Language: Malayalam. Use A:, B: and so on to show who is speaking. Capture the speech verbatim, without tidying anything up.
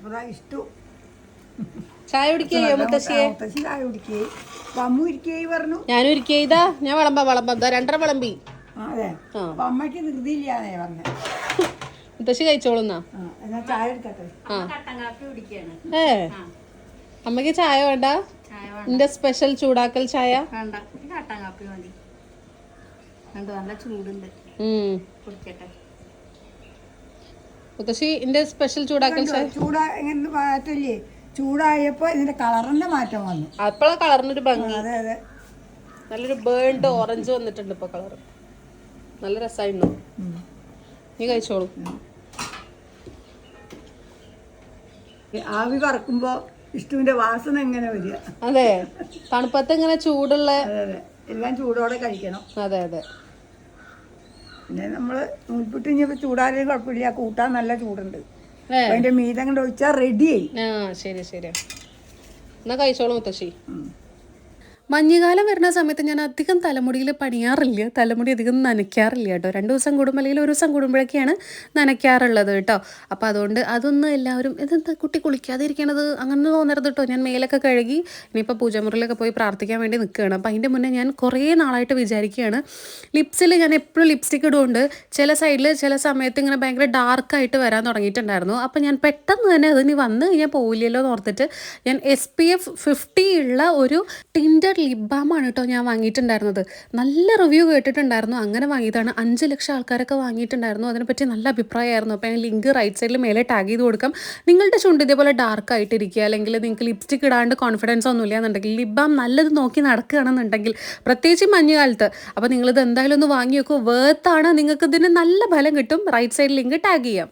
A: അപ്പോൾ ഇഷ്ടു
B: ചായ കുടിക്കുകയോ മുത്തശ്ശിയെ?
A: മുത്തശ്ശി ചായ കുടിക്കുകയും അമ്മ ഇരിക്കുകയും പറഞ്ഞു.
B: ഞാനും ഇരിക്കുകയിതാ, ഞാൻ വിളമ്പാ വിളമ്പാ രണ്ടര വിളമ്പി.
A: അതെ, അപ്പൊ അമ്മയ്ക്ക് ധൃതിയില്ലാന്നേ പറഞ്ഞേ.
B: മുത്തശ്ശി കഴിച്ചോളുന്നാ.
A: എന്നാ ചായ എടുക്കട്ടെ.
B: ഏ അമ്മക്ക് ചായ വേണ്ട? എന്റെ സ്പെഷ്യൽ ചൂടാക്കൽ ചായ
C: വേണ്ട, കട്ടൻ കാപ്പി മതി. നല്ല ചൂടുണ്ട്, കുടിക്കട്ടെ.
B: മുത്തശ്ശി എന്റെ സ്പെഷ്യൽ ചൂടാക്കൽ ചായ.
A: ചൂടാ എങ്ങനെ മാറ്റല്ലേ, ചൂടായപ്പോ ഇതിന്റെ കളറിന്റെ മാറ്റം വന്നു.
B: അപ്പോഴാ കളറിനൊരു ഭംഗി.
A: അതെ അതെ,
B: നല്ലൊരു ബേൺഡ് ഓറഞ്ച് വന്നിട്ടുണ്ട് ഇപ്പൊ കളർ. നല്ല രസമായിരുന്നു. നീ കഴിച്ചോളൂ.
A: ആവി പറക്കുമ്പോ ഇഷ്ടുവിന്റെ വാസന എങ്ങനെ വരിക.
B: അതെ, തണുപ്പത്ത് ഇങ്ങനെ ചൂടുള്ള.
A: അതെ അതെ, എല്ലാം ചൂടോടെ കഴിക്കണം.
B: അതെ അതെ.
A: പിന്നെ നമ്മള് നൂൽപുട്ട് ഇനിയിപ്പോ ചൂടാലും കുഴപ്പമില്ല, കൂട്ടാൻ നല്ല ചൂടുണ്ട്. അതിന്റെ മീതം കൊണ്ട് ഒഴിച്ചാൽ റെഡിയായി.
B: ആ ശരി ശരി, എന്നാ കഴിച്ചോളൂ മുത്തശ്ശി. മഞ്ഞുകാലം വരുന്ന സമയത്ത് ഞാൻ അധികം തലമുടിയിൽ പണിയാറില്ല, തലമുടി അധികം നനയ്ക്കാറില്ല കേട്ടോ. രണ്ട് ദിവസം കൂടുമ്പോൾ അല്ലെങ്കിൽ ഒരു ദിവസം കൂടുമ്പോഴൊക്കെയാണ് നനയ്ക്കാറുള്ളത് കേട്ടോ. അപ്പോൾ അതുകൊണ്ട് അതൊന്നും എല്ലാവരും ഇതെന്താ കുട്ടി കുളിക്കാതെ ഇരിക്കണത് അങ്ങനെ തോന്നരുത് കേട്ടോ. ഞാൻ മേലൊക്കെ കഴുകി ഇനിയിപ്പോൾ പൂജമുറിയിലൊക്കെ പോയി പ്രാർത്ഥിക്കാൻ വേണ്ടി നിൽക്കുകയാണ്. അപ്പോൾ അതിൻ്റെ മുന്നേ ഞാൻ കുറേ നാളായിട്ട് വിചാരിക്കുകയാണ്, ലിപ്സിൽ ഞാൻ എപ്പോഴും ലിപ്സ്റ്റിക് ഇടുകൊണ്ട് ചില സൈഡിൽ ചില സമയത്ത് ഇങ്ങനെ ഭയങ്കര ഡാർക്കായിട്ട് വരാൻ തുടങ്ങിയിട്ടുണ്ടായിരുന്നു. അപ്പോൾ ഞാൻ പെട്ടെന്ന് തന്നെ അതിന് വന്ന് കഴിഞ്ഞാൽ പോവില്ലല്ലോ എന്ന് ഓർത്തിട്ട് ഞാൻ എസ് പി എഫ് ഫിഫ്റ്റി ഉള്ള ഒരു ടിൻഡർ ലിപ് ബാമാണ് കേട്ടോ ഞാൻ വാങ്ങിയിട്ടുണ്ടായിരുന്നത്. നല്ല റിവ്യൂ കേട്ടിട്ടുണ്ടായിരുന്നു, അങ്ങനെ വാങ്ങിയതാണ്. അഞ്ച് ലക്ഷം ആൾക്കാരൊക്കെ വാങ്ങിയിട്ടുണ്ടായിരുന്നു, അതിനെപ്പറ്റി നല്ല അഭിപ്രായമായിരുന്നു. അപ്പോൾ ഞാൻ ലിങ്ക് റൈറ്റ് സൈഡിൽ മേലെ ടാഗ് ചെയ്ത് കൊടുക്കാം. നിങ്ങളുടെ ചുണ്ട് ഇതേപോലെ ഡാർക്ക് ആയിട്ടിരിക്കുക, അല്ലെങ്കിൽ നിങ്ങൾക്ക് ലിപ്സ്റ്റിക് ഇടാണ്ട് കോൺഫിഡൻസ് ഒന്നും ഇല്ല എന്നുണ്ടെങ്കിൽ, ലിപ് ബാം നല്ലത് നോക്കി നടക്കുകയാണെന്നുണ്ടെങ്കിൽ, പ്രത്യേകിച്ച് മഞ്ഞുകാലത്ത്, അപ്പോൾ നിങ്ങളിത് എന്തായാലും ഒന്ന് വാങ്ങി വെക്കൂ. വേർത്താണ്, നിങ്ങൾക്ക് ഇതിന് നല്ല ഫലം കിട്ടും. റൈറ്റ് സൈഡിൽ ലിങ്ക് ടാഗ് ചെയ്യാം.